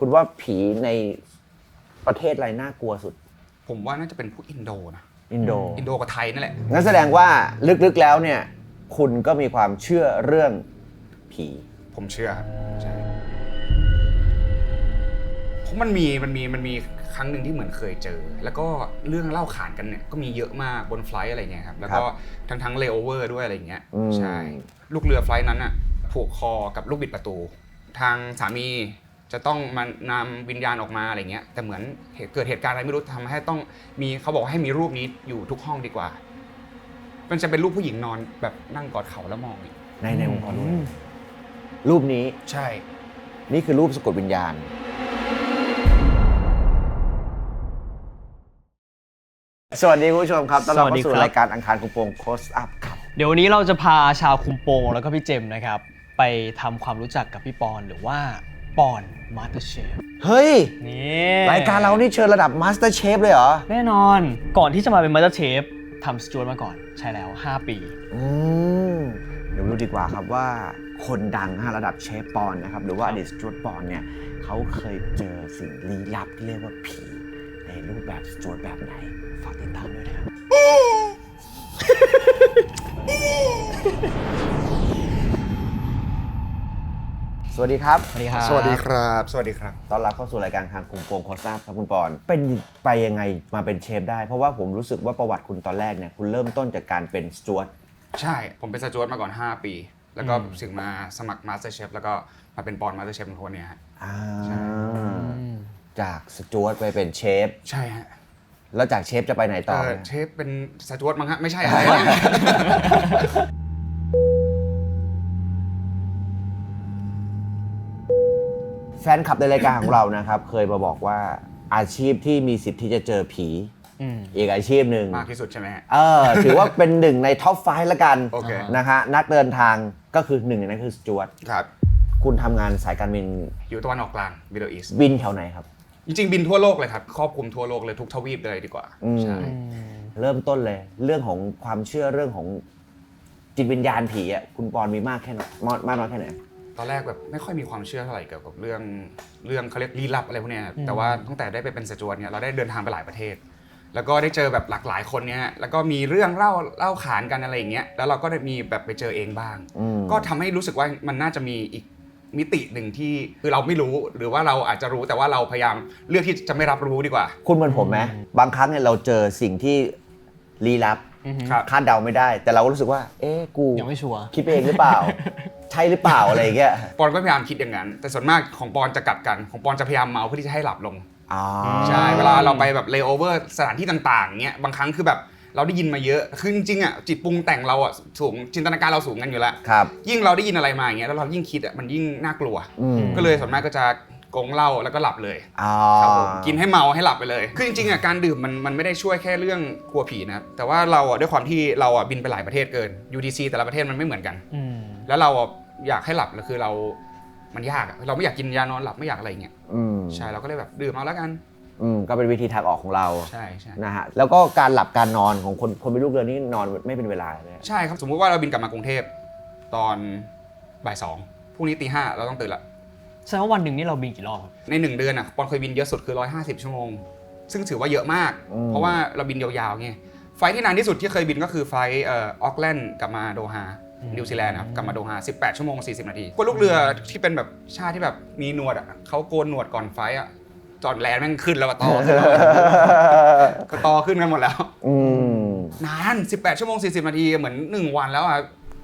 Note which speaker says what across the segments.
Speaker 1: คุณว่าผีในประเทศอะไรน่ากลัวสุด
Speaker 2: ผมว่าน่าจะเป็นพวกอินโดนะ
Speaker 1: อินโด
Speaker 2: กับไทยนั่นแหละ
Speaker 1: งั้นแสดงว่าลึกๆแล้วเนี่ยคุณก็มีความเชื่อเรื่องผี
Speaker 2: ผมเชื่อครับใช่เพราะมันมีครั้งหนึ่งที่เหมือนเคยเจอแล้วก็เรื่องเล่าขานกันเนี่ยก็มีเยอะมากบนไฟล์อะไรเงี้ยครับแล้วก็ทั้งเลโอเวอร์ด้วยอะไรเงี้ยใช่ลูกเรือไฟล์นั้นอ่ะผูกคอกับลูกบิดประตู ทางสามีจะต้องมานำวิญญาณออกมาอะไรเงี้ยแต่เหมือนเกิดเหตุการณ์อะไรไม่รู้ทำให้ต้องมีเขาบอกให้มีรูปนี้อยู่ทุกห้องดีกว่ามันจะเป็นรูปผู้หญิงนอนแบบนั่งกอดเข่าแล้วมอง
Speaker 1: ในองค์กรรูปนี้
Speaker 2: ใช่
Speaker 1: นี่คือรูปสะกดวิญญาณสวัสดีคุณผู้ชมครับต้อนรับเข้าสู่รายการอังคารคุมโปงโคสอัพครับ
Speaker 3: เดี๋ยววันนี้เราจะพาชาวคุมโปงแล้วก็พี่เจมนะครับไปทำความรู้จักกับพี่ปอนหรือว่าปอนมาสเตอร์เชฟ
Speaker 1: เฮ้ย
Speaker 3: นี่
Speaker 1: รายการเรานี่เชิญระดับมาสเตอร์เชฟเลยเหรอ
Speaker 3: แน่นอนก่อนที่จะมาเป็นมาสเตอร์เชฟทำสจวตมาก่อนใช่แล้ว5 ปี
Speaker 1: เดี๋ยวรู้ดีกว่าครับว่าคนดังระดับเชฟปอนนะครับหรือว่าอดีตสจวตปอนเนี่ยเขาเคยเจอสิ่งลี้ลับที่เรียกว่าผีในรูปแบบสจวตแบบไหนฝากติดตามด้วยนะครับสวัสดีครับ
Speaker 2: สวัสดีครับสวัสดีครับ
Speaker 1: ต้อนรับเข้าสู่รายการทางคุมโปงโคสอัพครับคุณปอนเป็นไปยังไงมาเป็นเชฟได้เพราะว่าผมรู้สึกว่าประวัติคุณตอนแรกเนี่ยคุณเริ่มต้นจากการเป็นสจ๊วต
Speaker 2: ใช่ผมเป็นสจ๊วตมาก่อน5 ปีแล้วก็ถึงมาสมัครมาสเตอร์เชฟแล้วก็มาเป็นปอนมาสเตอร์เชฟเป็นคนเนี้ยฮะ
Speaker 1: จากสจ๊วตไปเป็นเชฟ
Speaker 2: ใช่ฮะ
Speaker 1: แล้วจากเชฟจะไปไหนต่อ
Speaker 2: เชฟเป็นสจ๊วตมั้งฮะไม่ใช่อะไร
Speaker 1: แฟนคลับในรายการของเรานะครับเคยมาบอกว่าอาชีพที่มีสิทธิ์ที่จะเจอผีอีกอาชีพหนึ่ง
Speaker 2: มากที่สุดใช่ไหม
Speaker 1: ถือว่าเป็นหนึ่งในท็อป5ละกัน
Speaker 2: okay.
Speaker 1: นะฮะนักเดินทางก็คือหนึ่งในนั้นคือสจ๊วต
Speaker 2: ครับ
Speaker 1: คุณทำงานสายการบิน
Speaker 2: อยู่ตะวันออกกลาง Middle East
Speaker 1: บินแถวไหนครับ
Speaker 2: จริงๆบินทั่วโลกเลยครับครอบคลุมทั่วโลกเลยทุกทวีปเลยดีกว่าใช่
Speaker 1: เริ่มต้นเลยเรื่องของความเชื่อเรื่องของจิตวิญญาณผีอ่ะคุณปอนมีมากแค่ไหนมากน้อยแค่ไหน
Speaker 2: ตอนแรกแบบไม่ค่อยมีความเชื่อเท่าไหร่เกี่ยวกับเรื่องเขาเรียกลี้ลับอะไรพวกนี้แต่ว่าตั้งแต่ได้ไปเป็นสจ๊วตเนี่ยเราได้เดินทางไปหลายประเทศแล้วก็ได้เจอแบบหลากหลายคนเนี่ยแล้วก็มีเรื่องเล่าขานกันอะไรอย่างเงี้ยแล้วเราก็ได้มีแบบไปเจอเองบ้างก็ทำให้รู้สึกว่ามันน่าจะมีอีกมิติหนึ่งที่คือเราไม่รู้หรือว่าเราอาจจะรู้แต่ว่าเราพยายามเลือกที่จะไม่รับรู้ดีกว่า
Speaker 1: คุณเหมือนผมไหมบางครั้งเนี่ยเราเจอสิ่งที่ลี้ลับคาดเดาไม่ได้แต่เราก็รู้สึกว่ากู
Speaker 3: ยังไม่ชัวร์
Speaker 1: คิดเองหรือเปล่าใช่หรือเปล่าอะไรอย่างเงี้ย
Speaker 2: ปอนก็พยายามคิดอย่างนั้นแต่ส่วนมากของปอนจะกลับกันของปอนจะพยายามเมาเพื่อที่จะให้หลับลงใช่เวลาเราไปแบบเลโอเวอร์สถานที่ต่างๆเงี้ยบางครั้งคือแบบเราได้ยินมาเยอะคือจริงๆอ่ะจิตปรุงแต่งเราอ่ะสูงจินตนาการเราสูงกันอยู่แล้วยิ่งเราได้ยินอะไรมาอย่างเงี้ยแล้วเรายิ่งคิดอ่ะมันยิ่งน่ากลัวก็เลยส่วนมากก็จะกงเหล้าแล้วก็หลับเลยครับผมกินให้เมาให้หลับไปเลยคือจริงๆอ่ะการดื่มมันไม่ได้ช่วยแค่เรื่องกลัวผีนะแต่ว่าเราอ่ะด้วยความที่เราอ่ะบินไปหลายประเทศเกิน UTC แต่ละประเทศมันไม่เหมือนกันแล้วเราอยากให้หลับแล้วคือมันยากเราไม่อยากกินยานอนหลับไม่อยากอะไรเงี้ยใช่เราก็เลยแบบดื่มเอาแล้วกัน
Speaker 1: ก็เป็นวิธีทางออกของเรา
Speaker 2: ใช่
Speaker 1: นะฮะแล้วก็การหลับการนอนของคนเป็นลูกเรือนี่นอนไม่เป็นเวลาเลย
Speaker 2: ใช่ครับสมมุติว่าเราบินกลับมากรุงเทพตอนบ่าย 2พรุ่งนี้ตี 5เราต้องตื่นละ
Speaker 3: แสดงว่าวันหนึ่งนี่เราบินกี่รอบ
Speaker 2: ใน1 เดือนอ่ะปอนเคยบินเยอะสุดคือ150 ชั่วโมงซึ่งถือว่าเยอะมากเพราะว่าเราบินยาวๆไงไฟล์ที่นานที่สุดที่เคยบินก็คือไฟล์ออกแลนด์กลับมาโดฮานิวซีแลนด์ครับกลับมาโดฮา18 ชั่วโมง 40 นาทีพวกลูกเรือที่เป็นแบบชาติที่แบบมีหนวดอ่ะเขาโกนหนวดก่อนไฟล์อ่ะจอดแลนด์แม่งขึ้นแล้วก็ต่อก็ต่อขึ้นกันหมดแล้วนาน18 ชั่วโมง 40 นาทีเหมือน1 วันแล้วอ่ะ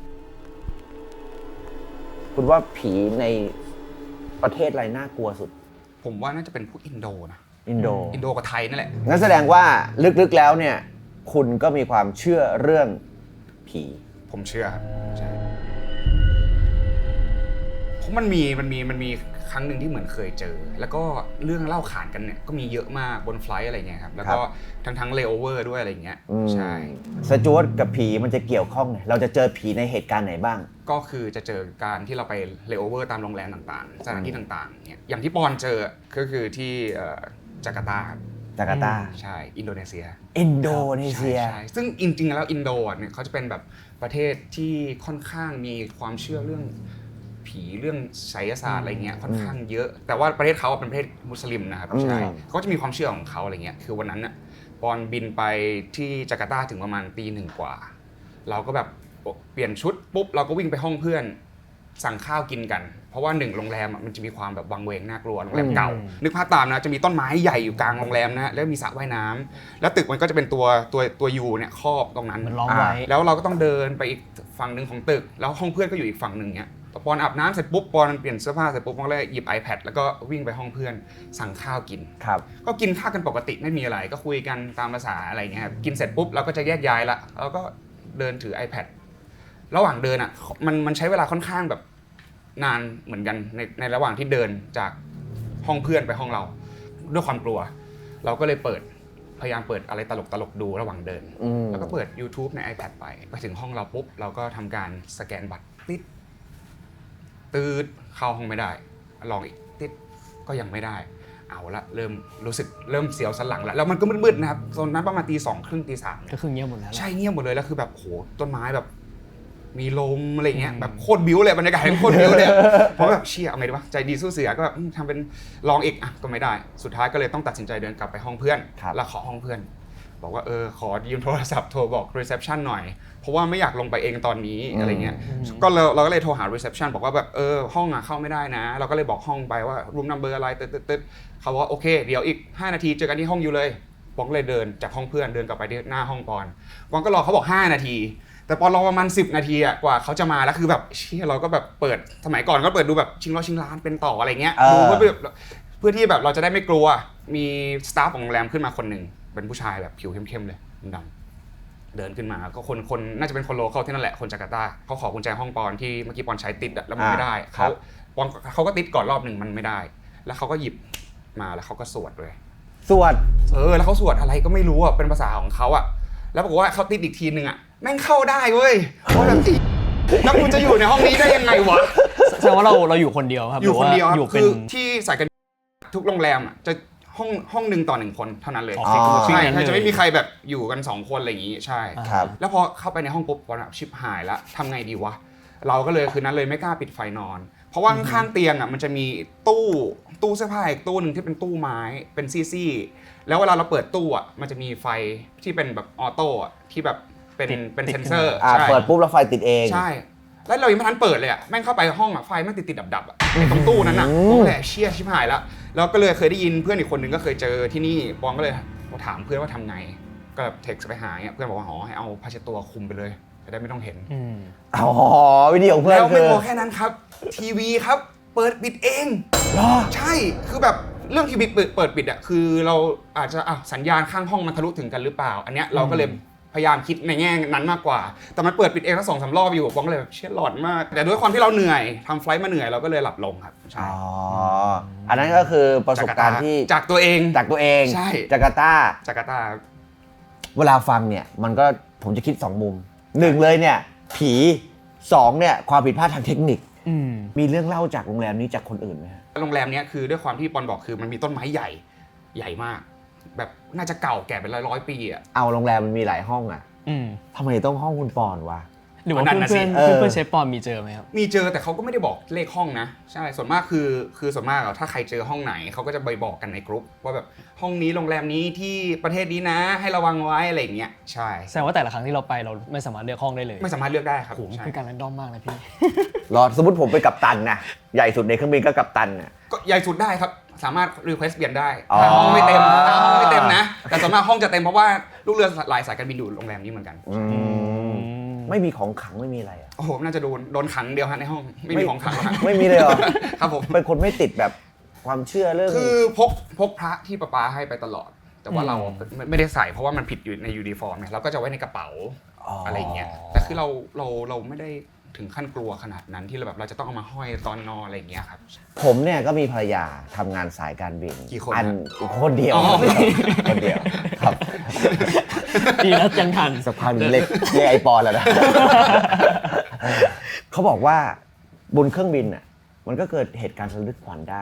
Speaker 1: คุณว่าผีในประเทศอะไรน่ากลัวสุด
Speaker 2: ผมว่าน่าจะเป็นพวกอินโดนะ
Speaker 1: อินโด
Speaker 2: กับไทยนั่นแหละ
Speaker 1: งั้นแสดงว่าลึกๆแล้วเนี่ยคุณก็มีความเชื่อเรื่องผี
Speaker 2: ผมเชื่อครับใช่เพราะมันมีครั้งหนึ่งที่เหมือนเคยเจอแล้วก็เรื่องเล่าขานกันเนี่ยก็มีเยอะมากบนไฟล์อะไรเงี้ยครับแล้วก็ทั้งเลโอเวอร์ด้วยอะไรเงี้ยใช่
Speaker 1: สจ๊วตกับผีมันจะเกี่ยวข้องเราจะเจอผีในเหตุการณ์ไหนบ้าง
Speaker 2: ก็คือจะเจอการที่เราไปเลโอเวอร์ตามโรงแรมต่างๆสถานที่ต่างๆเนี่ยอย่างที่ปอนเจอก็คือที่จาการ์ตาใช่อินโดนีเซียใช่ซึ่งจริงๆแล้วอินโดเนี่ยเขาจะเป็นแบบประเทศที่ค่อนข้างมีความเชื่อเรื่องผีเรื่องไสยศาสตร์อะไรเงี้ยค่อนข้างเยอะแต่ว่าประเทศเขาเป็นประเทศมุสลิมนะครับใช่เขาจะมีความเชื่อของเขาอะไรเงี้ยคือวันนั้นน่ะปอนบินไปที่จาการ์ตาถึงประมาณตี 1กว่าเราก็แบบเปลี่ยนชุดปุ๊บเราก็วิ่งไปห้องเพื่อนสั่งข้าวกินกันเพราะว่า1โรงแรมมันจะมีความแบบวังเวงน่ากลัวโรงแรมเก่านึกภาพตามนะจะมีต้นไม้ใหญ่อยู่กลางโรงแรมนะแล้วมีสระว่ายน้ำแล้วตึกมันก็จะเป็นตัวยูเนี่ยครอบตรงนั้น
Speaker 3: มันล้อมไว้
Speaker 2: แล้วเราก็ต้องเดินไปอีกฝั่งหนึ่งของตึกแล้วห้องเพื่อนก็อยู่อีกฝั่งหนึ่งเนี่ยปอนอาบน้ำเสร็จปุ๊บปอนเปลี่ยนเสื้อผ้าเสร็จปุ๊บปอนก็เลยหยิบ iPad แล้วก็วิ่งไปห้องเพื่อนสั่งข้าวกิน
Speaker 1: ครับ
Speaker 2: ก็กินข้าวกันปกติไม่มีอะไรก็คุยกันตามภาษาอะไรเงี้ยครับกินเสร็จปุ๊บเราก็จะแยกย้ายละแล้วก็เดินถือ iPad ระหว่างเดินอ่ะมันใช้เวลาค่อนข้างแบบนานเหมือนกันในระหว่างที่เดินจากห้องเพื่อนไปห้องเราด้วยความกลัว เราก็เลยพยายามเปิดอะไรตลกดูระหว่างเดินแล้วก็เปิด YouTube ใน iPad ไปถึงห้องเราปุ๊บเราก็ทำการสแกนบัตรตืดเข้าห้องไม่ได้ลองอีกติดก็ยังไม่ได้เอาละเริ่มรู้สึกเริ่มเสียวสันหลังแล้วมันก็มืดๆนะครับตอนนั้นประมาณตี 2 ครึ่งตี 3
Speaker 3: ก็คือเงียบหมดแล้ว
Speaker 2: ใช่เงียบหมดเลยแล้วคือแบบโหต้นไม้แบบมีลมอะไรเงี้ยแบบโคตรบิ้วเลยบรรยากาศโคตรบิ้วเลยเพราะแบบเชี่ยเอาไงดีวะใจดีสู้เสือก็แบบทำเป็นลองอีกอ่ะก็ไม่ได้สุดท้ายก็เลยต้องตัดสินใจเดินกลับไปห้องเพื่อนแล้วขอห้องเพื่อนบอกว่าขอยืมโทรศัพท์โทรบอก reception หน่อยเพราะว่าไม่อยากลงไปเองตอนนี้อะไรเงี้ยก็เราก็เลยโทรหา reception บอกว่าแบบห้องอ่ะเข้าไม่ได้นะเราก็เลยบอกห้องไปว่า room number อะไรตึ๊ดเขาบอกว่าโอเคเดี๋ยวอีก5นาทีเจอกันที่ห้องอยู่เลยปอนก็เลยเดินจากห้องเพื่อนเดินกลับไปที่หน้าห้องปอนก็รอเขาบอก5นาทีแต่ปอนรอประมาณ10นาทีอ่ะกว่าเขาจะมาแล้วคือแบบเชี่ยเราก็แบบเปิดสมัยก่อนก็เปิดดูแบบชิงร้านเป็นต่ออะไรเงี้ยดูเพื่อที่แบบเราจะได้ไม่กลัวมีสตาฟของโรงแรมขึ้นมาคนหนึ่งเป็นผู้ชายแบบผิวเข้มๆเลยดำเดินขึ้นมาก็คนน่าจะเป็นคนโลคอลที่นั่นแหละคนจาการ์ตาเขาขอกุญแจห้องปอนที่เมื่อกี้ปอนใช้ติดแล้วมันไม่ได้เขาก็ติดก่อนรอบหนึ่งมันไม่ได้แล้วเขาก็หยิบมาแล้วเขาก็สวดเลย
Speaker 1: สวด
Speaker 2: แล้วเขาสวดอะไรก็ไม่รู้อ่ะเป็นภาษาของเขาอ่ะแล้วบอกว่าเขาติดอีกทีนึงอ่ะแม่งเข้าได้เว้ยเพราะแบบแล้วกูจะอยู่ในห้องนี้ได้ยังไงวะ
Speaker 3: แสดงว่าเราอยู่คนเดียวครับ
Speaker 2: อยู่คนเดียว
Speaker 3: อยู่เป็น
Speaker 2: คือที่สายการทุกโรงแรมอ่ะจะห้องนึงต่อ1คนเท่านั้นเลยใช่จะไม่มีใครแบบอยู่กัน2คนอะไรอย่างงี้ใช่แล้วพอเข้าไปในห้องปุ๊บปอนแบบชิบหายละทำไงดีวะเราก็เลยคืนนั้นเลยไม่กล้าปิดไฟนอนเพราะว่าข้างเตียงอ่ะมันจะมีตู้เสื้อผ้าอีกตู้นึงที่เป็นตู้ไม้เป็นซี่ๆแล้วเวลาเราเปิดตู้อ่ะมันจะมีไฟที่เป็นแบบออโต้อ่ะที่แบบเป็นเซนเซอร์
Speaker 1: เปิดปุ๊บแล้วไฟติดเอง
Speaker 2: ใช่แล้วเรายังไม่ทันเปิดเลยอ่ะแม่งเข้าไปห้องอ่ะไฟแม่งติดดับอ่ะตรงตู้นั้นอ่ะโอ้แหละเชี่ยชิบหายแล้วแล้วก็เลยเคยได้ยินเพื่อนอีกคนนึงก็เคยเจอที่นี่ปองก็เลยถามเพื่อนว่าทำไงก็แบบเท็กซ์ไปหาเพื่อนบอกว่าให้เอาผ้าเช็ดตัวคลุมไปเลยจะได้ไม่ต้องเห็น
Speaker 1: วิดีโอเพื่อน
Speaker 2: แล้วไม่พอแค่นั้นครับทีวีครับเปิดปิดเองใช่คือแบบเรื่องทีวีเปิดปิดอ่ะคือเราอาจจะสัญญาณข้างห้องมันทะลุถึงกันหรือเปล่าอันเนี้ยเราก็เลยพยายามคิดในแง่นั้นมากกว่าแต่มันเปิดปิดเองทั้ง2-3 รอบอยู่ปองก็เลยแบบเชี่ยหลอนมากแต่ด้วยความที่เราเหนื่อยทำไฟล์มาเหนื่อยเราก็เลยหลับลงครับใช่
Speaker 1: อันนั้นก็คือประสบการณ์ที่
Speaker 2: จากตัวเองใช่
Speaker 1: จาการ์ตาเวลาฟังเนี่ยมันก็ผมจะคิด2มุม1เลยเนี่ยผี2เนี่ยความผิดพลาดทางเทคนิคมีเรื่องเล่าจากโรงแรมนี้จากคนอื่นไหมฮะ
Speaker 2: โรงแรมนี้คือด้วยความที่ปอนบอกคือมันมีต้นไม้ใหญ่มากแบบน่าจะเก่าแก่เป็นร้อยปีอ่ะ
Speaker 1: เอาโรงแรมมันมีหลายห้องอ่ะทำไมต้องห้องคุณปอนวะ
Speaker 3: หรือว่าเพื่อนเชฟปอนมีเจอไหมครับ
Speaker 2: มีเจอแต่เขาก็ไม่ได้บอกเลขห้องนะใช่ส่วนมากคือส่วนมากถ้าใครเจอห้องไหนเขาก็จะไปบอกกันในกลุ่มว่าแบบห้องนี้โรงแรมนี้ที่ประเทศนี้นะให้ระวังไว้อะไรอย่างเงี้ยใช่
Speaker 3: แสดงว่าแต่ละครั้งที่เราไปเราไม่สามารถเลือกห้องได้เลย
Speaker 2: ไม่สามารถเลือกได้ครับ
Speaker 3: ผมคือการแรนดอมมากนะพี่
Speaker 1: รอสมมติผมไปกัปตันนะใหญ่สุดในเครื่องบินก็กัปตันน่ะ
Speaker 2: ก็ใหญ่สุดได้ครับสามารถรีเควสเปลี่ยนได้ถ้าห้องไม่เต็มนะแต่ส่วนมากห้องจะเต็มเพราะว่าลูกเรือหลายสายการบินอยู่โรงแรมนี้เหมือนกัน
Speaker 1: ไม่มีของขังไม่มีอะไรอ่ะ
Speaker 2: โอ้โหน่าจะโดนขังเดียวฮะในห้องไม่มีของขังหรอก
Speaker 1: ไม่มีเลยเหรอ
Speaker 2: ครับผม
Speaker 1: เป็นคนไม่ติดแบบความเชื่อเรื่อง
Speaker 2: คือพกพระที่ป๊าให้ไปตลอดแต่ว่าเราไม่ได้ใส่เพราะว่ามันผิดอยู่ในยูนิฟอร์มเนี่ยเราก็จะไว้ในกระเป๋าอะไรอย่างเงี้ยแต่คือเราไม่ได้ถึงขั้นกลัวขนาดนั้นที่เราจะต้องเอามาห้อยตอนนอนอะไรอย่างเงี้ยครับ
Speaker 1: ผมเนี่ยก็มีภรรยาทำงานสายการบิน
Speaker 2: กี่คน
Speaker 1: คนเดียวครับ
Speaker 3: ดีแล้วยังทัน
Speaker 1: สักพักเล็กไอปอนแล้วนะเขาบอกว่าบนเครื่องบินอ่ะมันก็เกิดเหตุการณ์ระทึกขวัญได้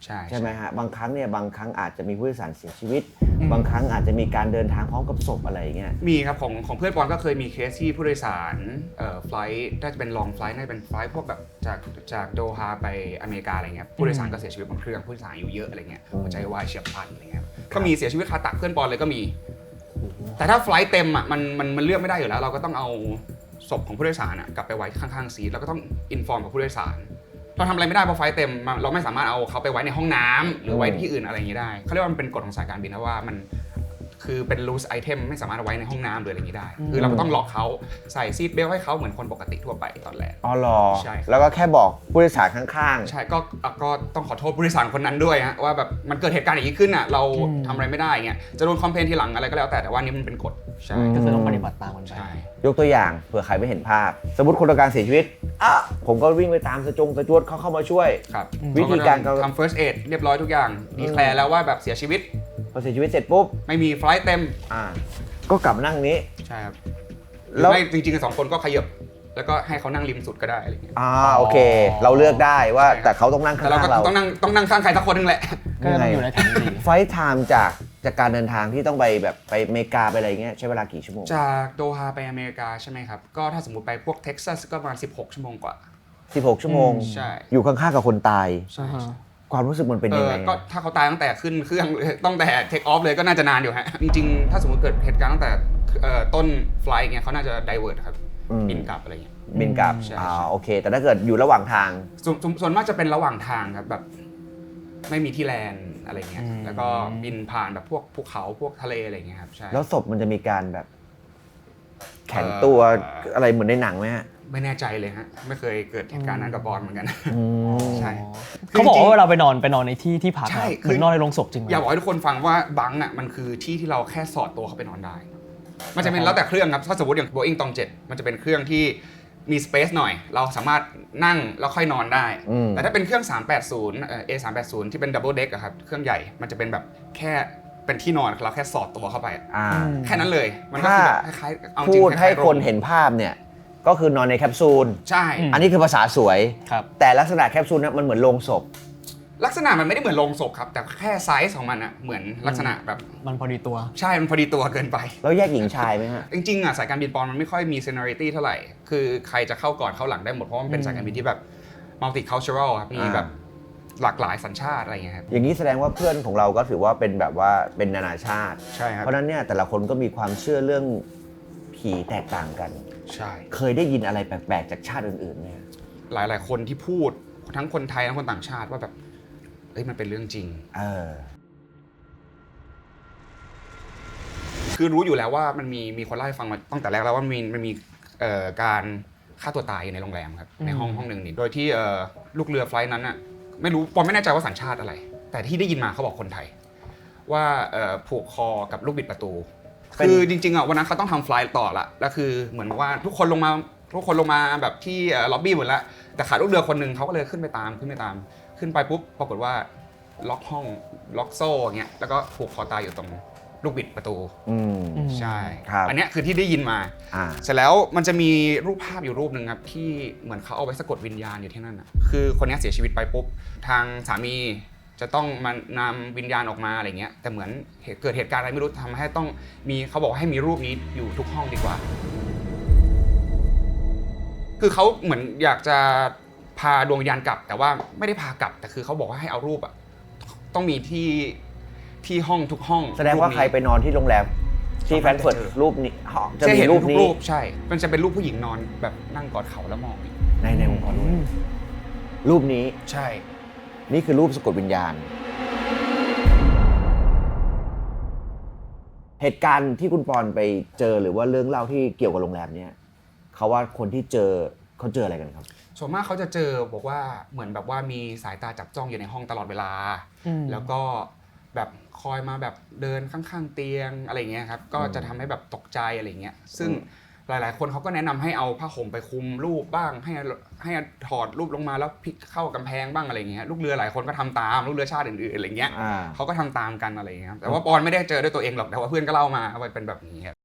Speaker 1: ใช่ไหมฮะบางครั้งอาจจะมีผู้โดยสารเสียชีวิต บางครั้งอาจจะมีการเดินทางพร้อมกับศพอะไรอย่างเงี้ย
Speaker 2: มีครับของเพื่อนปอนก็เคยมีเคสที่ผู้โดยสารไฟล์น่าจะเป็นลองไฟล์น่าจะเป็นไฟล์พวกแบบจากโดฮาไปอเมริกาอะไรเงี้ยผู้โดยสารก็เสียชีวิตบนเครื่องผู้โดยสารอายุเยอะอะไรเงี้ยหัวใจวายเฉียบพลันอะไรเงี้ยก็มีเสียชีวิตคาตักเพื่อนปอนเลยก็มี แต่ถ้าไฟล์เต็มอ่ะมันเลือกไม่ได้อยู่แล้วเราก็ต้องเอาศพของผู้โดยสารกลับไปไว้ข้างๆซีทแล้วก็ต้องอินฟอร์มกับผู้โดยสารเราทำอะไรไม่ได้เพราะไฟล์เต็มเราไม่สามารถเอาเขาไปไว้ในห้องน้ำหรือไว้ที่อื่นอะไรอย่างนี้ได้เขาเรียกว่ามันเป็นกฎของสายการบินนะว่ามันคือเป็น loose item ไม่สามารถเอาไว้ในห้องน้ำหรืออะไรอย่างนี้ได้คือเราก็ต้องล็อกเขาใส่ซีทเบลต์ให้เขาเหมือนคนปกติทั่วไปตอนแรก
Speaker 1: อ๋อเหรอ
Speaker 2: ใช่
Speaker 1: แล้วก็แค่บอกผู้โดยสารข้าง
Speaker 2: ๆใช่ก็ต้องขอโทษผู้โดยสารคนนั้นด้วยฮะว่าแบบมันเกิดเหตุการณ์อย่างนี้ขึ้นอ่ะเราทำอะไรไม่ได้เงี้ยจะโดนคอมเพลนทีหลังอะไรก็แล้วแต่ว่านี่มันเป็นกฎใช่
Speaker 3: ก็คือต้องปฏิบัติตามมันไป
Speaker 1: ยกตัวอย่างเผื่อใครไม่เห็นภาพสมมติคนตการเสียชีวิตผมก็วิ่งไปตามสจวดเขาเข้ามาช่วย
Speaker 2: ครับ
Speaker 1: วิธีการ
Speaker 2: ทำ first aid เรียบร้อยทุกอย่างดีแคลร์แล้วว่าแบบเสียชีวิต
Speaker 1: พอเสียชีวิตเสร็จปุ๊บ
Speaker 2: ไม่มีไฟล์เต็ม
Speaker 1: ก็กลับนั่งนี้
Speaker 2: ใช่ครับแล้วไม่จริงๆ2คนก็ขยับแล้วก็ให้เขานั่งริมสุดก็ได้อะไรเงี้ย
Speaker 1: โอเคเราเลือกได้ว่าแต่เขาต้องนั่งข้างเรา
Speaker 2: ต้องนั่งข้างใครสักคนนึงแหละ
Speaker 3: ก็อยู่ในแถวนี้
Speaker 1: ไฟล์ไทม์จากการเดินทางที่ต้องไปแบบไปอเมริกาไปอะไรเงี้ยใช้เวลากี่ชั่วโมง
Speaker 2: จากโดฮาไปอเมริกาใช่ไหมครับก็ถ้าสมมติไปพวกเท็กซัสก็ประมาณ16 ชั่วโมงกว่า
Speaker 1: 16 ชั่วโมง
Speaker 2: ใช่
Speaker 1: อยู่ข้างๆกับคนตาย
Speaker 2: ใช่
Speaker 1: ความรู้สึกมันเป็นยังไง
Speaker 2: ก็ถ้าเขาตายตั้งแต่ขึ้นเครื่องตั้งแต่เทคออฟเลยก็น่าจะนานอยู่ฮะจริงๆถ้าสมมติเกิดเหตุการณ์ตั้งแต่ต้นไฟล์เงี้ยเขาน่าจะไดเวิร์ตครับบินกลับอะไรเงี้ย
Speaker 1: บินกลับโอเคแต่ถ้าเกิดอยู่ระหว่างทาง
Speaker 2: ส่วนมากจะเป็นระหว่างทางครับแบบไม่มีที่แลนด์อะไรเงี้ยแล้วก็บินผ่านแบบพวกภูเขาพวกทะเลอะไรเงี้ยครับใช่
Speaker 1: แล้วศพมันจะมีการแบบแข็งตัวอะไรเหมือนในหนังไหมฮะ
Speaker 2: ไม่แน่ใจเลยฮะไม่เคยเกิดเหตุการณ์นั้นกับบอลเหมือนกันใช่
Speaker 3: เขาบอกว่าเวลาไปนอนในที่พักเหมือนนอนในโรงศพจริง
Speaker 2: อยากบอกให้ทุกคนฟังว่าบังมันคือที่ที่เราแค่สอดตัวเข้าไปนอนได้มันจะเป็นแล้วแต่เครื่องครับถ้าสมมติอย่าง Boeing ตอง7มันจะเป็นเครื่องที่มีสเปซหน่อยเราสามารถนั่งแล้วค่อยนอนได้แต่ถ้าเป็นเครื่อง380 A380 ที่เป็น Double Deck อะครับเครื่องใหญ่มันจะเป็นแบบแค่เป็นที่นอนเราแค่สอดตัวเข้าไปแค่นั้นเลยมันก็คือแบบคล้ายๆ
Speaker 1: พูดให้คนเห็นภาพเนี่ยก็คือนอนในแคปซูล
Speaker 2: ใช่
Speaker 1: อันนี้คือภาษาสวยแต่ลักษณะแคปซูลนั้นมันเหมือนโลงศพ
Speaker 2: ลักษณะมันไม่ได้เหมือนโลงศพครับแต่แค่ไซส์ของมันอะเหมือนลักษณะแบบ
Speaker 3: มันพอดีตัว
Speaker 2: ใช่มันพอดีตัวเกินไป
Speaker 1: แล้วแยกหญิงชายไหมฮะ
Speaker 2: จริงๆอะสายการบินปอนมันไม่ค่อยมี seniority เท่าไหร่คือใครจะเข้าก่อนเข้าหลังได้หมดเพราะมันเป็นสายการบินที่แบบ multicultural ครับมีแบบหลากหลายสัญชาติอะไรอย่างเงี้ยครับ
Speaker 1: อย่างนี้แสดงว่าเพื่อนของเราก็ถือว่าเป็นแบบว่าเป็นนานาชาติ
Speaker 2: ใช่ครับ
Speaker 1: เพราะนั้นเนี่ยแต่ละคนก็มีความเชื่อเรื่องผีแตกต่างกัน
Speaker 2: ใช่
Speaker 1: เคยได้ยินอะไรแปลกๆจากชาติอื่นๆไหม
Speaker 2: หลายๆคนที่พูดทั้งคนไทยทั้งคนต่างชาติว่าแบบมันเป็นเรื่องจริงคือรู้อยู่แล้วว่ามันมีคนเล่าให้ฟังมาตั้งแต่แรกแล้วว่ามันมีการฆ่าตัวตายอยู่ในโรงแรมครับในห้องหนึ่งนี่โดยที่ลูกเรือไฟล์นั้นน่ะไม่รู้ปอนไม่แน่ใจว่าสัญชาติอะไรแต่ที่ได้ยินมาเขาบอกคนไทยว่าผูกคอกับลูกบิดประตูคือจริงๆอ่ะวันนั้นเขาต้องทำไฟล์ต่อละแล้วคือเหมือนว่าทุกคนลงมาแบบที่ล็อบบี้หมดแล้วแต่ขาดลูกเรือคนนึงเขาก็เลยขึ้นไปปุ๊บปรากฏว่าล็อกห้องล็อกโซ่เงี้ยแล้วก็ผูกคอตายอยู่ตรงลูกบิดประตูใช่อันนี้คือที่ได้ยินมาเสร็จแล้วมันจะมีรูปภาพอยู่รูปหนึ่งครับที่เหมือนเขาเอาไว้สะกดวิญญาณอยู่ที่นั่นคือคนนี้เสียชีวิตไปปุ๊บทางสามีจะต้องมานำวิญญาณออกมาอะไรเงี้ยแต่เหมือนเกิดเหตุการณ์อะไรไม่รู้ทำให้ต้องมีเขาบอกให้มีรูปนี้อยู่ทุกห้องดีกว่าคือเขาเหมือนอยากจะพาดวงวิญญาณกลับแต่ว่าไม่ได้พากลับแต่คือเขาบอกว่าให้เอารูปต้องมีที่ห้องทุกห้อง
Speaker 1: แสดงว่าใครไปนอนที่โรงแรมที่แฟรงก์เฟิร์ตรูปนี้
Speaker 2: จะมีรูปนี้ใช่มันจะเป็นรูปผู้หญิงนอนแบบนั่งกอดเข่าแล้วมอง
Speaker 1: ในองค์กรรูปนี้
Speaker 2: ใช่
Speaker 1: นี่คือรูปสะกดวิญญาณเหตุการณ์ที่คุณปอนไปเจอหรือว่าเรื่องเล่าที่เกี่ยวกับโรงแรมเนี่ยเขาว่าคนที่เจอเขาเจออะไรกันครับ
Speaker 2: ส่วนมากเขาจะเจอบอกว่าเหมือนแบบว่ามีสายตาจับจ้องอยู่ในห้องตลอดเวลาแล้วก็แบบคอยมาแบบเดินข้างๆเตียงอะไรเงี้ยครับก็จะทำให้แบบตกใจอะไรเงี้ยซึ่งหลายๆคนเขาก็แนะนำให้เอาผ้าห่มไปคลุมรูปบ้างให้ถอดรูปลงมาแล้วพลิกเข้ากำแพงบ้างอะไรเงี้ยลูกเรือหลายคนก็ทำตามลูกเรือชาติอื่นๆอะไรเงี้ยเขาก็ทำตามกันอะไรเงี้ยแต่ว่าปอนไม่ได้เจอด้วยตัวเองหรอกแต่ว่าเพื่อนก็เล่ามาว่าเป็นแบบนี้ครับ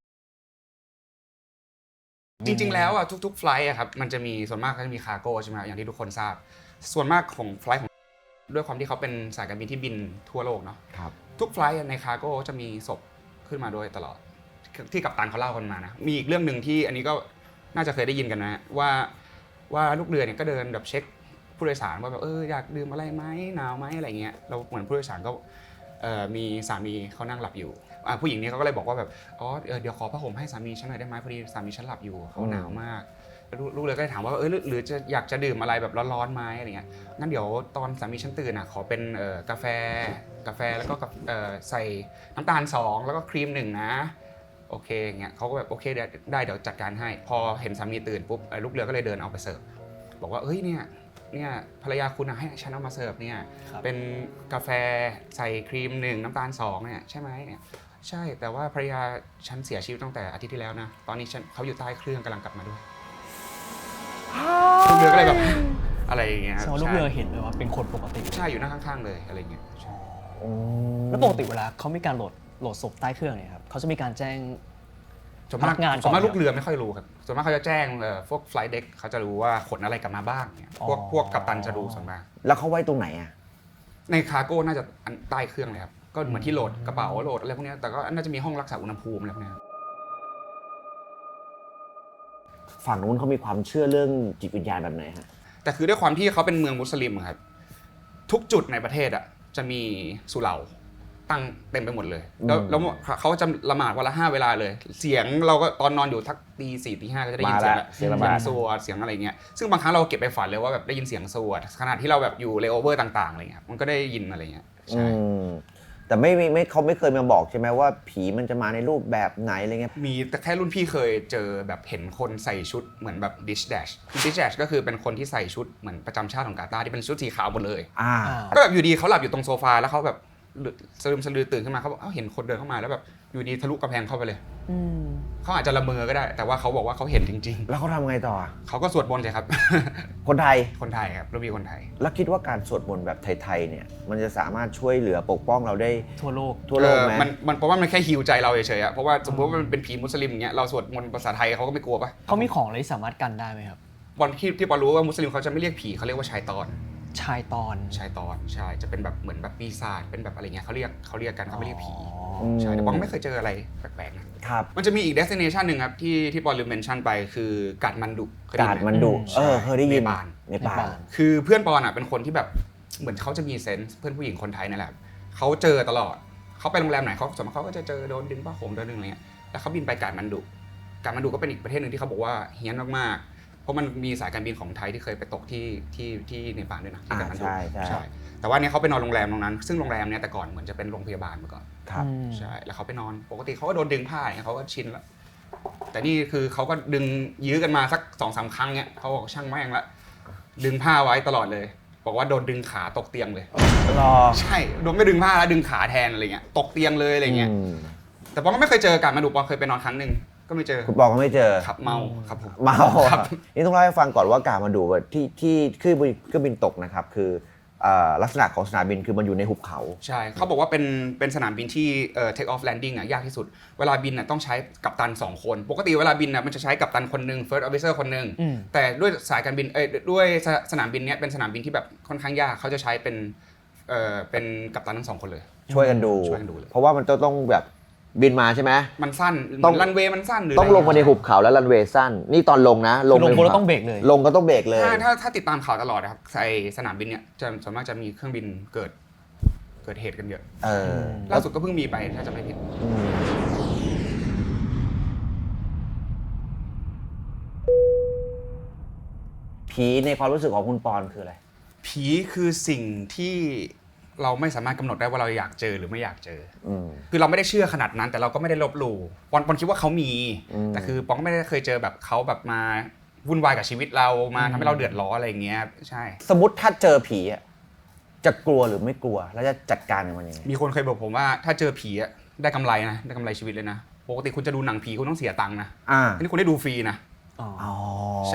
Speaker 2: จริงๆแล้วอ่ะทุกๆไฟล์อะครับมันจะมีส่วนมากก็จะมีคาร์โก้ใช่ไหมอย่างที่ทุกคนทราบส่วนมากของไฟล์ของด้วยความที่เขาเป็นสายการบินที่บินทั่วโลกเนาะ
Speaker 1: ครับ
Speaker 2: ทุกไฟลท์ในคาร์โก้จะมีศพขึ้นมาด้วยตลอดที่กัปตันเขาเล่ากันมานะมีอีกเรื่องหนึ่งที่อันนี้ก็น่าจะเคยได้ยินกันนะว่าลูกเรือเนี่ยก็เดินแบบเช็คผู้โดยสารว่าแบบอยากดื่มอะไรไหมหนาวไหมอะไรเงี้ยเราเหมือนผู้โดยสารก็มีสามีเขานั่งหลับอยู่ผู้หญิงนี้เขาก็เลยบอกว่าแบบเดี๋ยวขอผ้าห่มให้สามีฉันหน่อยได้ไหมพอดีสามีฉันหลับอยู่เขาหนาวมากลูกเรือก็เลยถามว่าหรือจะอยากจะดื่มอะไรแบบร้อนๆไหมอะไรเงี้ยงั้นเดี๋ยวตอนสามีฉันตื่นขอเป็นกาแฟแล้วก็ใส่น้ำตาล2แล้วก็ครีม1นะโอเคอย่างเงี้ยเขาก็แบบโอเคเดี๋ยวจัดการให้พอเห็นสามีตื่นปุ๊บลูกเรือก็เลยเดินเอาไปเสิร์ฟบอกว่าเนี่ยภรรยาคุณให้ฉันเอามาเสิร์ฟเนี่ยเป็นกาแฟใส่ครีม1น้ำตาล2เนี่ยใช่ไหมเนี่ยใช่แต่ว่าภรรยาฉันเสียชีวิตตั้งแต่อาทิตย์ที่แล้วนะตอนนี้เขาอยู่ใต้เครื่องกำลังกลับมาด้วยลูกเรือก็เลยแบบอะไรอย่างเงี้ย
Speaker 3: แสดงว่าลูกเรือเห็นเลยว่าเป็นคนปกติ
Speaker 2: ใช่อยู่นั่งข้างๆเลยอะไรเงี้ย
Speaker 3: แล้วปกติเวลาเขามีการโหลดศพใต้เครื่องเนี่ยครับเขาจะมีการแจ้ง
Speaker 2: ส่วน
Speaker 3: พ
Speaker 2: มา
Speaker 3: นั
Speaker 2: ก
Speaker 3: กงานก่อน
Speaker 2: ส่วนมากลูกเรือไม่ค่อยรู้ครับส่วนมากเขาจะแจ้งพวก flight deck เขาจะรู้ว่าขนอะไรกลับมาบ้างเนี่ยพวกกัปตันจะรู้ส่วนมาก
Speaker 1: แล้วเขาไว้ตรงไหนอ่ะ
Speaker 2: ในคาร์โก้น่าจะใต้เครื่องเลยครับก็เหมือนที่โหลดกระเป๋าโหลดอะไรพวกนี้แต่ก็น่าจะมีห้องรักษาอุณหภูมิอะไรพวกนี้
Speaker 1: ฝั่งนู้นเขามีความเชื่อเรื่องจิตวิญญาณแบบไหนฮะ
Speaker 2: แต่คือด้วยความที่เขาเป็นเมืองมุสลิมครับทุกจุดในประเทศจะมีสุเหร่าตั้งเต็มไปหมดเลยแล้วเขาจะละหมาดวันละ5 เวลาเลยเสียงเราก็ตอนนอนอยู่ทักตี 4 ตี 5ก็จะได้ยินเสียงละเสียงสวดเสียงอะไรเงี้ยซึ่งบางครั้งเราเก็บไปฝันเลยว่าแบบได้ยินเสียงสวดขณะที่เราแบบอยู่เลโอเวอร์ต่างๆอะไรเงี้ยมันก็ได้ยินอะไรเงี้ยใช่
Speaker 1: แต่ไม่เขาไม่เคยมาบอกใช่ไหมว่าผีมันจะมาในรูปแบบไหนอะไรเงี้ย
Speaker 2: มีแต่แค่รุ่นพี่เคยเจอแบบเห็นคนใส่ชุดเหมือนแบบดิชแดชก็คือเป็นคนที่ใส่ชุดเหมือนประจำชาติของกาตาร์ที่เป็นชุดสีขาวหมดเลยก็แบบอยู่ดีเขาหลับอยู่ตรงโซฟาแล้วเขาแบบสะลือตื่นขึ้นมาเขาบอกเห็นคนเดินเข้ามาแล้วแบบอยู่ดีทะลุกระแพงเข้าไปเลยเขาอาจจะละเมอก็ได้แต่ว่าเขาบอกว่าเขาเห็นจริง
Speaker 1: แล้วเขาทำไงต่อ
Speaker 2: ๆเขาก็สวดมนต์ใช่ครับ
Speaker 1: คนไทย
Speaker 2: คนไทยครับรุ่นพี่คนไทย
Speaker 1: แล้วคิดว่าการสวดมนต์แบบไทยๆเนี่ยมันจะสามารถช่วยเหลือปกป้องเราได้
Speaker 3: ทั่วโลก
Speaker 1: ไหม
Speaker 2: มันเพราะว่ามันแค่ฮีลใจเราเฉยๆเพราะว่าสมมติว่ามันเป็นผีมุสลิมอย่างเงี้ยเราสวดมนต์ภาษาไทยเขาก็ไม่กลัวปะ
Speaker 3: เขามีของอะไรที่สามารถกันได้ไหมครับ
Speaker 2: บอลที่ปอรู้ว่ามุสลิมเขาจะไม่เรียกผีเขาเรียกว่าชายตอน
Speaker 3: ชายตอน
Speaker 2: ใช่จะเป็นแบบเหมือนแบบปีศาจเป็นแบบอะไรเงี้ยเขาเรียกกันเขาไม่เรียกผี
Speaker 1: อืม
Speaker 2: ใช่แต่ปองไม่เคยเจออะไรแปลกๆนะครับ มันจะมีอีก destination หนึ่งครับที่ปอลืมเมนชั่นไปคือกาดมันดุเคยได้
Speaker 1: กา
Speaker 2: ยิ
Speaker 1: ด
Speaker 2: นไหม
Speaker 1: มันดุ
Speaker 3: ใช่
Speaker 1: เคยได้ยิน
Speaker 2: เนปาล
Speaker 1: เนปาล
Speaker 2: คือเพื่อนปอนเป็นคนที่แบบเหมือนเขาจะมีเซนส์เพื่อนผู้หญิงคนไทยนั่นแหละเขาเจอตลอดเขาไปโรงแรมไหนเขาส่วนมากเขาก็จะเจอโดนดึงผ้าห่มโดนดึงอะไรเงี้ยแล้วเขาบินไปกาดมันดุก็เป็นอีกประเทศหนึ่งที่เขาบอกว่าเฮี้ยนมากๆเพราะมันมีสายการบินของไทยที่เคยไปตกที่เนปาลด้วยนะที่กาดมันดุ
Speaker 1: ใช่
Speaker 2: แต่ว่าเนี่ยเขาไปนอนโรงแรมตรงนั้นซึ่งโรงแรมเนี่ยแต่ก่อนเหมือนจะเป็นโรงพยาบาลมาก่อน
Speaker 1: ครับ
Speaker 2: ใช่แล้วเขาไปนอนปกติเขาก็โดนดึงผ้าเนี่ยเขาก็ชินแล้วแต่นี่คือเขาก็ดึงยื้อกันมาสัก2-3 ครั้งเนี่ยเขาบอกช่างแม่งละดึงผ้าไว้ตลอดเลยบอกว่าโดนดึงขาตกเตียงเลย
Speaker 1: รอ
Speaker 2: ใช่โดนไม่ดึงผ้าแล้วดึงขาแทนอะไรเงี้ยตกเตียงเลยอะไรเงี้ย
Speaker 1: ม
Speaker 2: แต่ปองก็ไม่เคยเจอการมาดูปองเคยไปนอนครั้งหนึ่งก็ไม่เจอ
Speaker 1: คุณปองก็ไม่เจอ
Speaker 2: ขับเมาครับผม
Speaker 1: เมา
Speaker 2: ครับ
Speaker 1: นี่ต้องเล่าให้ฟังก่อนว่ากาดมันดุที่เครื่องบินตกนะครับคือลักษณะของสนามบินคือมันอยู่ในหุบเขา
Speaker 2: ใช่เขาบอกว่าเป็นสนามบินที่take off landing ยากที่สุดเวลาบินต้องใช้กัปตัน2 คนปกติเวลาบินมันจะใช้กัปตันคนหนึ่ง first officer คนหนึ่งแต่ด้วยสายการบินด้วยสนามบินเนี้ยเป็นสนามบินที่แบบค่อนข้างยากเขาจะใช้เป็นกัปตันทั้ง2 คนเลย
Speaker 1: ช่วยกันดู
Speaker 2: เลย
Speaker 1: เพราะว่ามันต้องแบบบินมาใช่ไหม
Speaker 2: มันสั้น
Speaker 1: ต้อง
Speaker 2: รันเวย์มันสั้นหรือ
Speaker 1: ต้องลงมาในหุบเขาแล้วรันเวย์สั้นนี่ตอนลงนะ
Speaker 3: ลง
Speaker 1: ใน
Speaker 3: บนแล้วต้องเบรกเลย
Speaker 1: ลงก็ต้องเบรกเลย
Speaker 2: ถ้าติดตามข่าวตลอดนะครับใส่สนามบินเนี้ยจะส่วนมากจะมีเครื่องบินเกิดเหตุกันเยอะ ล่าสุดก็เพิ่งมีไปถ้าจะไม่ผิด
Speaker 1: ผีในความรู้สึกของคุณปอนคืออะไร
Speaker 2: ผีคือสิ่งที่เราไม่สามารถกำหนดได้ว่าเราอยากเจอหรือไม่อยากเจอคือเราไม่ได้เชื่อขนาดนั้น แต่เราก็ไม่ได้ลบหลู่ปอนคิดว่าเขามีแต่คือปอนก็ไม่ได้เคยเจอแบบเขาแบบมาวุ่นวายกับชีวิตเรามาทำให้เราเดือดร้อนอะไรอย่างเงี้ยใช่
Speaker 1: สมมติถ้าเจอผีอะจะกลัวหรือไม่กลัวแล้วจะจัดการกับมันยังไง
Speaker 2: มีคนเคยบอกผมว่าถ้าเจอผีอะได้กำไรนะได้กำไรชีวิตเลยนะปกติคุณจะดูหนังผีคุณต้องเสียตังค์นะอันนี้คุณได้ดูฟรีนะ
Speaker 1: อ๋อ
Speaker 2: ใช่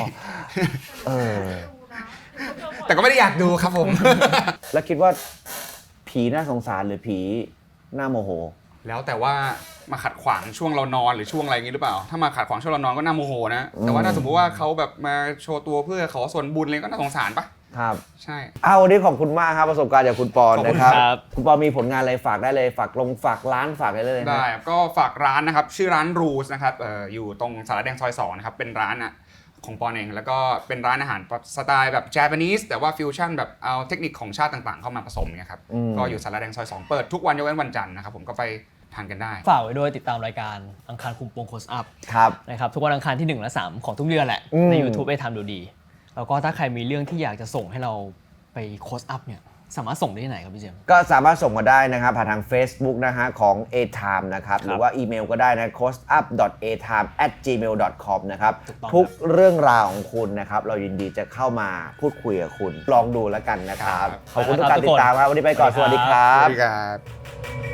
Speaker 4: ดูนะ
Speaker 2: แต่ก็ไม่ได้อยากดูครับผม
Speaker 1: แล้วคิดว่าผีน่าสงสารหรือผีน่าโมโห
Speaker 2: แล้วแต่ว่ามาขัดขวางช่วงเรานอนหรือช่วงอะไรอย่างนี้หรือเปล่า ถ้ามาขัดขวางช่วงเรานอนก็น่าโมโหนะ แต่ว่าถ้าสมมติว่าเขาแบบมาโชว์ตัวเพื่อขอส่วนบุญอะไรก็น่าสงสารปะ
Speaker 1: ครับ
Speaker 2: ใช่
Speaker 1: วันนี้ขอบคุณมากครับประสบการณ์จากคุณปอน
Speaker 2: ขอบคุณ
Speaker 1: นะครับ
Speaker 3: ครับ
Speaker 1: คุณปอนมีผลงานอะไรฝากได้เลยฝากร้านฝากได้เลยนะ
Speaker 2: ได้ก็ฝากร้านนะครับชื่อร้าน Rules นะครับอยู่ตรงสารแดงซอย2นะครับเป็นร้านของปอนเองแล้วก็เป็นร้านอาหารสไตล์แบบ Japanese แต่ว่าฟิวชั่นแบบเอาเทคนิคของชาติต่างๆเข้ามาผสมเนี่ยครับก็อยู่สารแดงซอย2เปิดทุกวันยกเว้นวันจันทร์นะครับผมก็ไปทานกันได้
Speaker 3: ฝากไว้ด้วยติดตามรายการอังคารคุมโปงโคสอัพ
Speaker 1: ครับ
Speaker 3: นะครับทุกวันอังคารที่ 1 และ 3 ของทุกเดือนแหละ ใน YouTube ได้ทำดูดี แล้วก็ถ้าใครมีเรื่องที่อยากจะส่งให้เราไปโคสอัพเนี่ยสามารถส่งได้ที่ไหนครับพี่เจมส์
Speaker 1: ก็สามารถส่งมาได้นะครับผ่านทาง Facebook นะฮะของ A-Time นะครับหรือว่าอีเมลก็ได้นะ closeup.atime@gmail.com นะครับ
Speaker 3: ถูกต้อง
Speaker 1: ทุกเรื่องราวของคุณนะครับเรายินดีจะเข้ามาพูดคุยกับคุณลองดูแล้วกันนะครับ
Speaker 2: ครับ
Speaker 1: ขอบคุณทุกการติดตามครับวันนี้ไปก่อนสวัสดีครั
Speaker 2: ส
Speaker 1: บ
Speaker 2: วัสดีครับ